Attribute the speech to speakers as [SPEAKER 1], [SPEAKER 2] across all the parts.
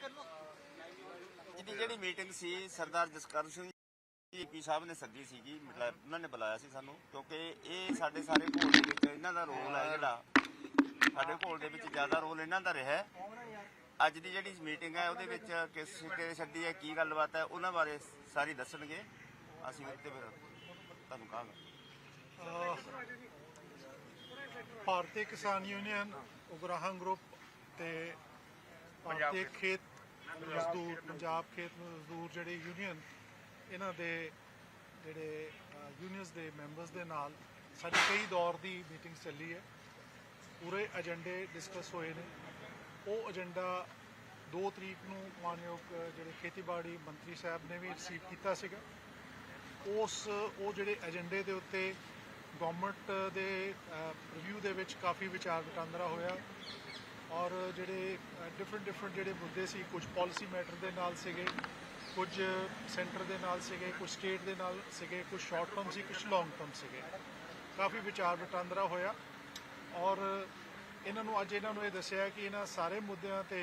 [SPEAKER 1] ਜਿਹੜੀ ਮੀਟਿੰਗ ਸੀ ਸਰਦਾਰ ਜਸਕਰਨ ਸਿੰਘ ਪੀ ਸਾਹਿਬ ਨੇ ਸੱਦੀ ਸੀਗੀ, ਮਤਲਬ ਉਹਨਾਂ ਨੇ ਬੁਲਾਇਆ ਸੀ ਸਾਨੂੰ, ਕਿਉਂਕਿ ਇਹ ਸਾਡੇ ਸਾਰੇ ਘੋਲ ਦੇ ਵਿੱਚ ਇਹਨਾਂ ਦਾ ਰੋਲ ਹੈ, ਜਿਹੜਾ ਸਾਡੇ ਘੋਲ ਦੇ ਵਿੱਚ ਜ਼ਿਆਦਾ ਰੋਲ ਇਹਨਾਂ ਦਾ ਰਿਹਾ। ਅੱਜ ਦੀ ਜਿਹੜੀ ਮੀਟਿੰਗ ਹੈ ਉਹਦੇ ਵਿੱਚ ਕਿਸ ਸਿੱਟੇ ਛੱਡੀ ਹੈ, ਕੀ ਗੱਲਬਾਤ ਹੈ, ਉਹਨਾਂ ਬਾਰੇ ਸਾਰੀ ਦੱਸਣਗੇ। ਅਸੀਂ ਉੱਤੇ ਫਿਰ ਤੁਹਾਨੂੰ ਕਹਾਂਗੇ।
[SPEAKER 2] ਭਾਰਤੀ ਕਿਸਾਨ ਯੂਨੀਅਨ ਉਗਰਾਹਾਂ ਗਰੁੱਪ ਤੇ ਭਾਰਤੀ ਖੇਤ ਮਜ਼ਦੂਰ ਪੰਜਾਬ ਖੇਤ ਮਜ਼ਦੂਰ ਜਿਹੜੇ ਯੂਨੀਅਨ, ਇਹਨਾਂ ਦੇ ਜਿਹੜੇ ਯੂਨੀਅਨਸ ਦੇ ਮੈਂਬਰਸ ਦੇ ਨਾਲ ਸਾਡੀ ਕਈ ਦੌਰ ਦੀ ਮੀਟਿੰਗ ਚੱਲੀ ਹੈ। ਪੂਰੇ ਏਜੰਡੇ ਡਿਸਕਸ ਹੋਏ ਨੇ। ਉਹ ਏਜੰਡਾ 2 ਤਰੀਕ ਨੂੰ ਮਾਨਯੋਗ ਜਿਹੜੇ ਖੇਤੀਬਾੜੀ ਮੰਤਰੀ ਸਾਹਿਬ ਨੇ ਵੀ ਰਿਸੀਵ ਕੀਤਾ ਸੀਗਾ। ਉਹ ਜਿਹੜੇ ਏਜੰਡੇ ਦੇ ਉੱਤੇ ਗਵਰਨਮੈਂਟ ਦੇ ਰਿਵਿਊ ਦੇ ਵਿੱਚ ਕਾਫੀ ਵਿਚਾਰ ਵਟਾਂਦਰਾ ਹੋਇਆ, ਔਰ ਜਿਹੜੇ ਡਿਫਰੈਂਟ ਜਿਹੜੇ ਮੁੱਦੇ ਸੀ, ਕੁਝ ਪਾਲਿਸੀ ਮੈਟਰ ਦੇ ਨਾਲ ਸੀਗੇ, ਕੁਝ ਸੈਂਟਰ ਦੇ ਨਾਲ ਸੀਗੇ, ਕੁਝ ਸਟੇਟ ਦੇ ਨਾਲ ਸੀਗੇ, ਕੁਝ ਸ਼ਾਰਟ ਟਰਮ ਸੀ, ਕੁਝ ਲੌਂਗ ਟਰਮ ਸੀਗੇ। ਕਾਫੀ ਵਿਚਾਰ ਵਟਾਂਦਰਾ ਹੋਇਆ ਔਰ ਇਹਨਾਂ ਨੂੰ ਇਹ ਦੱਸਿਆ ਕਿ ਇਹਨਾਂ ਸਾਰੇ ਮੁੱਦਿਆਂ ਤੇ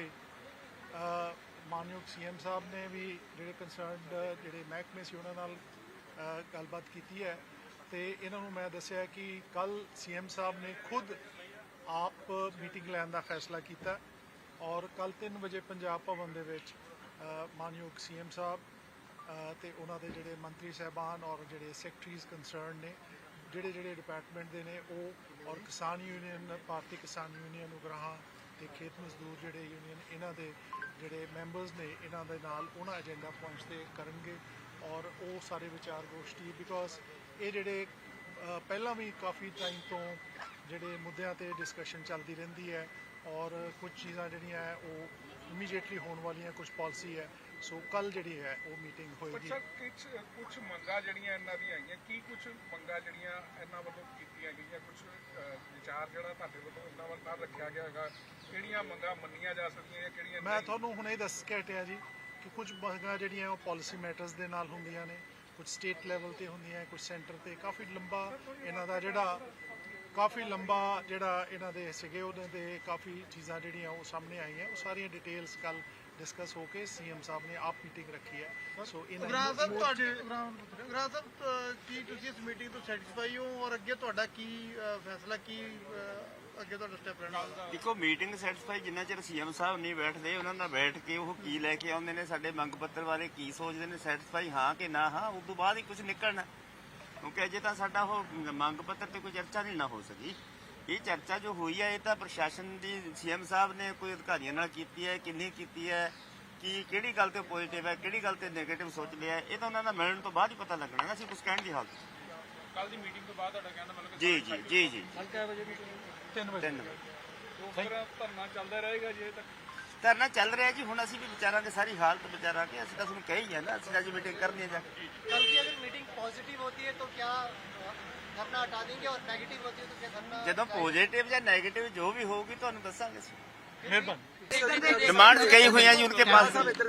[SPEAKER 2] ਮਾਨਯੋਗ CM ਸਾਹਿਬ ਨੇ ਵੀ ਜਿਹੜੇ ਕੰਸਰਨਡ ਜਿਹੜੇ ਮਹਿਕਮੇ ਸੀ ਉਹਨਾਂ ਨਾਲ ਗੱਲਬਾਤ ਕੀਤੀ ਹੈ। ਤੇ ਇਹਨਾਂ ਨੂੰ ਮੈਂ ਦੱਸਿਆ ਕਿ ਕੱਲ CM ਸਾਹਿਬ ਨੇ ਖੁਦ ਆਪ ਮੀਟਿੰਗ ਲੈਣ ਦਾ ਫੈਸਲਾ ਕੀਤਾ ਔਰ ਕੱਲ 3 ਵਜੇ ਪੰਜਾਬ ਭਵਨ ਦੇ ਵਿੱਚ ਮਾਨਯੋਗ CM ਸਾਹਿਬ ਤੇ ਉਹਨਾਂ ਦੇ ਜਿਹੜੇ ਮੰਤਰੀ ਸਾਹਿਬਾਨ ਔਰ ਜਿਹੜੇ ਸੈਕਟਰੀਜ਼ ਕੰਸਰਨ ਨੇ, ਜਿਹੜੇ ਡਿਪਾਰਟਮੈਂਟ ਦੇ ਨੇ, ਉਹ ਔਰ ਕਿਸਾਨ ਯੂਨੀਅਨ, ਭਾਰਤੀ ਕਿਸਾਨ ਯੂਨੀਅਨ ਉਗਰਾਹਾਂ ਤੇ ਖੇਤ ਮਜ਼ਦੂਰ ਜਿਹੜੇ ਯੂਨੀਅਨ, ਇਹਨਾਂ ਦੇ ਜਿਹੜੇ ਮੈਂਬਰਸ ਨੇ, ਇਹਨਾਂ ਦੇ ਨਾਲ ਉਹਨਾਂ ਏਜੰਡਾ ਪੁਆਇੰਟਸ ਤੇ ਕਰਨਗੇ ਔਰ ਉਹ ਸਾਰੇ ਵਿਚਾਰ ਗੋਸ਼ਟੀ, ਬਿਕੋਜ਼ ਇਹ ਜਿਹੜੇ ਪਹਿਲਾਂ ਵੀ ਕਾਫੀ ਟਾਈਮ ਤੋਂ ਜਿਹੜੇ ਮੁੱਦਿਆਂ ਤੇ ਡਿਸਕਸ਼ਨ ਚੱਲਦੀ ਰਹਿੰਦੀ ਹੈ ਔਰ ਕੁਝ ਚੀਜ਼ਾਂ ਜਿਹੜੀਆਂ ਹੈ ਉਹ ਇਮੀਡੀਏਟਲੀ ਹੋਣ ਵਾਲੀਆਂ, ਕੁਝ ਪਾਲਿਸੀ ਹੈ। ਸੋ ਕੱਲ ਜਿਹੜੀ ਹੈ ਉਹ ਮੀਟਿੰਗ ਹੋਏਗੀ।
[SPEAKER 3] ਕੁਝ ਮੰਗਾਂ ਜਿਹੜੀਆਂ ਇਹਨਾਂ ਦੀਆਂ ਆਈਆਂ, ਕੀ ਕੁਝ ਮੰਗਾਂ ਜਿਹੜੀਆਂ ਇਹਨਾਂ ਵੱਲੋਂ ਕੀਤੀਆਂ ਗਈਆਂ, ਕੁਝ ਵਿਚਾਰ ਜਿਹੜਾ ਤੁਹਾਡੇ ਵੱਲੋਂ ਇਹਨਾਂ ਵੱਲ ਨਾਲ ਰੱਖਿਆ ਗਿਆ ਹੈਗਾ, ਕਿਹੜੀਆਂ ਮੰਗਾਂ ਮੰਨੀਆਂ ਜਾ ਸਕਦੀਆਂ, ਕਿਹੜੀਆਂ?
[SPEAKER 2] ਮੈਂ ਤੁਹਾਨੂੰ ਹੁਣੇ ਦੱਸ ਕੇ ਹਟਿਆ ਜੀ ਕਿ ਕੁਝ ਮੰਗਾਂ ਜਿਹੜੀਆਂ ਉਹ ਪਾਲਿਸੀ ਮੈਟਰਸ ਦੇ ਨਾਲ ਹੁੰਦੀਆਂ ਨੇ, ਕੁਝ ਸਟੇਟ ਲੈਵਲ ਤੇ ਹੁੰਦੀਆਂ, ਕੁਝ ਸੈਂਟਰ ਤੇ। ਕਾਫੀ ਲੰਬਾ ਇਹਨਾਂ ਦਾ ਜਿਹੜਾ ਇਹਨਾਂ ਦੇ ਸੀਗੇ, ਉਹਨਾਂ ਦੇ ਕਾਫੀ ਚੀਜ਼ਾਂ ਜਿਹੜੀਆਂ ਉਹ ਸਾਹਮਣੇ ਆਈਆਂ। ਉਹ ਸਾਰੀਆਂ ਡਿਟੇਲਸ ਕੱਲ ਡਿਸਕਸ ਹੋ ਕੇ CM ਸਾਹਿਬ ਨੇ ਆਪ ਮੀਟਿੰਗ ਰੱਖੀ ਹੈ। ਸੋ
[SPEAKER 4] ਉਗਰਾਹਾਂ ਸਾਹਿਬ ਕੀ ਤੁਸੀਂ ਇਸ ਮੀਟਿੰਗ ਤੋਂ ਸੈਟੀਸਫਾਈ ਹੋ ਔਰ ਅੱਗੇ ਤੁਹਾਡਾ ਕੀ ਫੈਸਲਾ, ਕੀ ਅੱਗੇ ਤੁਹਾਡਾ ਸਟੈਪ ਰਹਿਣਾ?
[SPEAKER 1] ਦੇਖੋ, ਮੀਟਿੰਗ ਸੈਟੀਸਫਾਈ ਜਿੰਨਾ ਚਿਰ CM ਸਾਹਿਬ ਨਹੀਂ ਬੈਠਦੇ, ਉਹਨਾਂ ਨਾਲ ਬੈਠ ਕੇ ਉਹ ਕੀ ਲੈ ਕੇ ਆਉਂਦੇ ਨੇ, ਸਾਡੇ ਮੰਗ ਪੱਤਰ ਬਾਰੇ ਕੀ ਸੋਚਦੇ ਨੇ, ਸੈਟੀਸਫਾਈ ਹਾਂ ਕਿ ਨਾ ਹਾਂ, ਉਸ ਤੋਂ ਬਾਅਦ ਹੀ ਕੁਝ ਨਿਕਲਣਾ। ਕਿਉਂਕਿ ਅਜੇ ਤਾਂ ਸਾਡਾ ਉਹ ਮੰਗ ਪੱਤਰ ਤੇ ਕੋਈ ਚਰਚਾ ਨਹੀਂ ਨਾ ਹੋ ਸਕੀ। ਇਹ ਚਰਚਾ ਜੋ ਹੋਈ ਹੈ ਇਹ ਤਾਂ ਪ੍ਰਸ਼ਾਸਨ ਦੀ CM ਸਾਹਿਬ ਨੇ ਕੋਈ ਅਧਿਕਾਰੀਆਂ ਨਾਲ ਕੀਤੀ ਹੈ, ਕਿੰਨੀ ਕੀਤੀ ਹੈ, ਕਿ ਕਿਹੜੀ ਗੱਲ ਤੇ ਪੋਜ਼ਿਟਿਵ ਹੈ, ਕਿਹੜੀ ਗੱਲ ਤੇ ਨੈਗੇਟਿਵ ਸੋਚ ਲਿਆ, ਇਹ ਤਾਂ ਉਹਨਾਂ ਦਾ ਮਿਲਣ ਤੋਂ ਬਾਅਦ ਹੀ ਪਤਾ ਲੱਗਣਾ। ਅਸੀਂ ਕੁਝ ਕਹਿਣ ਦੀ ਹਾਲਤ।
[SPEAKER 3] ਕੱਲ ਦੀ ਮੀਟਿੰਗ ਤੋਂ ਬਾਅਦ ਤੁਹਾਡਾ ਕਹਿਣਾ ਮਤਲਬ
[SPEAKER 1] ਜੀ
[SPEAKER 2] 3 ਵਜੇ
[SPEAKER 3] ਧਰਨਾ ਚੱਲਦਾ ਰਹੇਗਾ ਜੇ ਤੱਕ?
[SPEAKER 1] ਧਰਨਾ ਚੱਲ ਰਿਹਾ ਜੀ। ਹੁਣ ਅਸੀਂ ਵੀ ਵਿਚਾਰਾਂਗੇ, ਸਾਰੀ ਹਾਲਤ ਵਿਚਾਰਾ ਕੇ। ਅਸੀਂ ਤਾਂ ਤੁਹਾਨੂੰ ਕਹੀ ਹੈ ਨਾ, ਅਸੀਂ ਅੱਜ ਮੀਟਿੰਗ ਕਰਨੀ ਹੈ ਜਾ ਕੇ।
[SPEAKER 4] कल की अगर मीटिंग पॉजिटिव होती है तो क्या धरना हटा देंगे और नेगेटिव होती है तो क्या धरना?
[SPEAKER 1] ਜਦੋਂ ਪੋਜ਼ਿਟਿਵ ਜਾਂ ਨੈਗੇਟਿਵ ਜੋ ਵੀ ਹੋਊਗੀ ਤੁਹਾਨੂੰ ਦੱਸਾਂਗੇ ਅਸੀਂ।
[SPEAKER 2] ਮਿਹਰਬਾਨੀ।
[SPEAKER 1] डिमांड कई हुई है जी उनके पास।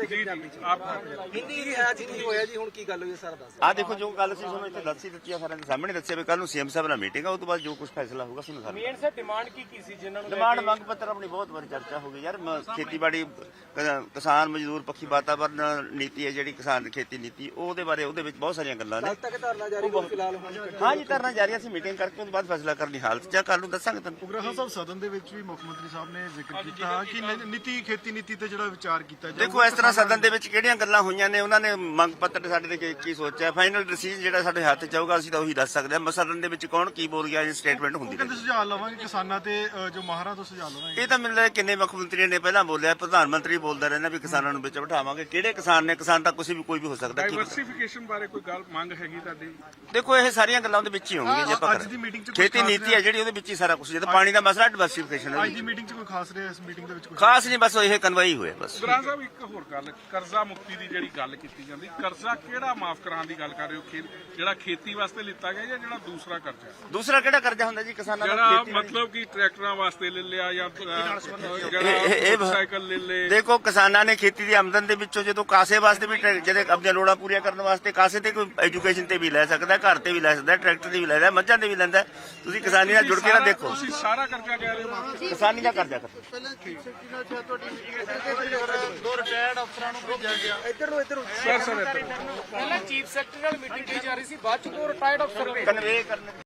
[SPEAKER 1] हाँ देखो, जो गल सी सुनो इतने दस ही दित्ती सारे सामने दस्सिया भी कल नूं CM साहब नाल मीटिंग है, उस तो बाद जो कुछ फैसला होगा सुनो सारे।
[SPEAKER 3] मेन सर डिमांड की सी जिन्हां नूं
[SPEAKER 1] डिमांड मंग पत्र अपनी बहुत बार चर्चा हो गई यार। खेतीबाड़ी किसान मजदूर पक्षी वातावरण नीति है जिहड़ी किसान खेती नीति, ਉਹਦੇ ਬਾਰੇ ਉਹਦੇ ਵਿੱਚ ਬਹੁਤ ਸਾਰੀਆਂ ਗੱਲਾਂ ਨੇ। ਹਾਂ ਜੀ, ਧਰਨਾ ਜਾਰੀ। ਅਸੀਂ ਮੀਟਿੰਗ ਕਰਕੇ ਉਸ ਤੋਂ ਬਾਅਦ ਫੈਸਲਾ ਕਰਨੀ ਹਾਲਤ ਚ ਕੱਲ ਨੂੰ ਦੱਸਾਂਗੇ ਤੁਹਾਨੂੰ।
[SPEAKER 2] ਉਗਰਾਹਾਂ ਸਾਹਿਬ ਸਦਨ ਦੇ ਵਿੱਚ ਵੀ ਮੁੱਖ ਮੰਤਰੀ ਸਾਹਿਬ ਨੇ ਜ਼ਿਕਰ ਕੀਤਾ ਕਿ ਖੇਤੀ ਨੀਤੀ ਤੇ ਜਿਹੜਾ ਵਿਚਾਰ ਕੀਤਾ ਜਾਵੇ।
[SPEAKER 1] ਦੇਖੋ, ਇਸ ਤਰ੍ਹਾਂ ਸਦਨ ਦੇ ਵਿੱਚ ਕਿਹੜੀਆਂ ਗੱਲਾਂ ਹੋਈਆਂ ਨੇ, ਉਹਨਾਂ ਨੇ ਮੰਗ ਪੱਤਰ ਸਾਡੇ ਤੇ ਕੀ ਸੋਚਿਆ, ਫਾਈਨਲ ਡਿਸੀਜਨ ਜਿਹੜਾ ਸਾਡੇ ਹੱਥ ਚ ਆਊਗਾ ਅਸੀਂ ਤਾਂ ਉਹੀ ਦੱਸ ਸਕਦੇ ਹਾਂ। ਸਦਨ ਦੇ ਵਿੱਚ ਕੌਣ ਕੀ ਬੋਲ ਗਿਆ, ਇਹ ਸਟੇਟਮੈਂਟ ਹੁੰਦੀ ਹੈ।
[SPEAKER 2] ਸੁਝਾਅ ਲਵਾਂਗੇ ਕਿਸਾਨਾਂ ਤੇ ਜੋ ਮਾਹਰਾਂ ਤੋਂ ਸੁਝਾਅ ਲਵਾਂਗੇ।
[SPEAKER 1] ਇਹ ਤਾਂ ਮੈਨੂੰ ਲੱਗਦਾ ਕਿੰਨੇ ਮੁੱਖ ਮੰਤਰੀਆਂ ਨੇ ਪਹਿਲਾਂ ਬੋਲਿਆ, ਪ੍ਰਧਾਨ ਮੰਤਰੀ ਬੋਲਦਾ ਰਹਿੰਦਾ ਵੀ ਕਿਸਾਨਾਂ ਨੂੰ ਵਿੱਚ ਬਿਠਾਵਾਂਗੇ। ਕਿਹੜੇ ਕਿਸਾਨ ਨੇ? ਕਿਸਾਨ ਤਾਂ ਕੋਈ ਵੀ ਹੋ ਸਕਦਾ।
[SPEAKER 3] ਡਾਈਵਰਸਿਫਿਕੇਸ਼ਨ ਬਾਰੇ ਕੋਈ ਗੱਲ ਮੰਗ ਹੈਗੀ ਤੁਹਾਡੀ?
[SPEAKER 1] ਦੇਖੋ, ਇਹ ਸਾਰੀਆਂ ਗੱਲਾਂ ਉਹਦੇ ਵਿੱਚ ਹੀ ਹੋਣਗੀਆਂ। ਜੇ ਆਪਾਂ ਖੇਤੀ ਨੀਤੀ ਹੈ ਜਿਹੜੀ, ਉਹਦੇ ਵਿੱਚ ਹੀ ਸਾਰਾ ਕੁਝ। ਜਦੋਂ ਪਾਣੀ ਦਾ ਮਸਲਾ, ਡਾਈਵਰਸਿਫਿਕੇਸ਼ਨ ਹੈ।
[SPEAKER 2] ਅੱਜ ਦੀ ਮੀਟਿੰਗ 'ਚ ਕੋਈ ਖਾਸ ਰਿਹਾ? ਇਸ ਮੀਟਿੰਗ ਦੇ ਵਿੱਚ ਕੋਈ
[SPEAKER 1] ਖਾਸ ਨਹੀਂ, ਬਸ ਇਹ ਕਨਵਾਈ ਹੋਇਆ ਬਸ।
[SPEAKER 3] ਉਗਰਾਹਾਂ ਸਾਹਿਬ, ਇੱਕ ਹੋਰ ਗੱਲ, ਕਰਜ਼ਾ ਮੁਕਤੀ ਦੀ ਜਿਹੜੀ ਗੱਲ ਕੀਤੀ ਜਾਂਦੀ, ਕਰਜ਼ਾ ਕਿਹੜਾ ਮਾਫ ਕਰਾਉਣ ਦੀ ਗੱਲ ਕਰ ਰਹੇ ਹੋ? ਜਿਹੜਾ ਖੇਤੀ ਵਾਸਤੇ ਲਿੱਤਾ ਗਿਆ ਜਾਂ ਜਿਹੜਾ ਦੂਸਰਾ ਕਰਜ਼ਾ?
[SPEAKER 1] ਦੂਸਰਾ ਕਿਹੜਾ ਕਰਜ਼ਾ ਹੁੰਦਾ ਜੀ ਕਿਸਾਨਾਂ ਦਾ?
[SPEAKER 3] ਜਿਹੜਾ ਮਤਲਬ ਕਿ ਟਰੈਕਟਰਾਂ ਵਾਸਤੇ ਲੈ ਲਿਆ ਜਾਂ ਸਾਈਕਲ ਲੈ ਲਏ।
[SPEAKER 1] ਦੇਖੋ, ਕਿਸਾਨਾਂ ਨੇ ਖੇਤੀ ਦੀ ਆਮਦਨ ਦੇ ਵਿੱਚੋਂ ਜਦੋਂ ਕਾਸੇ ਵਾਸਤੇ ਵੀ, ਜਿਹੜੇ ਆਪਣੀਆਂ ਲੋੜਾਂ ਪੂਰੀਆਂ ਕਰਨ ਵਾਸਤੇ ਕਾਸੇ ਤੇ ਕੋਈ ਐਜੂਕੇਸ਼ਨ ਤੇ ਵੀ ਲੈ ਸਕਦਾ, ਘਰ ਤੇ ਵੀ ਲੈ ਸਕਦਾ, ਟਰੈਕਟਰ ਤੇ ਵੀ ਲੈ ਸਕਦਾ, ਮੱਝਾਂ ਤੇ ਵੀ ਲੈਂਦਾ। ਤੁਸੀਂ ਕਿਸਾਨੀ ਨਾਲ ਜੁੜ ਕੇ ਨਾ ਦੇਖੋ।
[SPEAKER 3] ਤੁਸੀਂ ਸਾਰਾ ਕਰਜ਼ਾ ਕਹਿ ਰਹੇ ਹੋ?
[SPEAKER 1] ਕਿਸਾਨੀ ਦਾ ਕਰਜ਼ਾ ਕਰੋ।
[SPEAKER 4] ਦੱਸਿਆ ਤੁਹਾਡੀ ਮੀਟਿੰਗ ਦੋ ਰਿਟਾਇਰਡ ਅਫਸਰਾਂ ਨੂੰ ਭੇਜਿਆ ਗਿਆ
[SPEAKER 3] ਸਰ
[SPEAKER 5] ਪਹਿਲਾਂ ਚੀਫ ਸੈਕਟਰੀ ਨਾਲ ਮੀਟਿੰਗ ਕੀਤੀ ਜਾ ਰਹੀ ਸੀ, ਬਾਅਦ ਚ ਦੋ ਰਿਟਾਇਰਡ ਅਫਸਰ
[SPEAKER 1] ਕਨਵੇ ਕਰਨ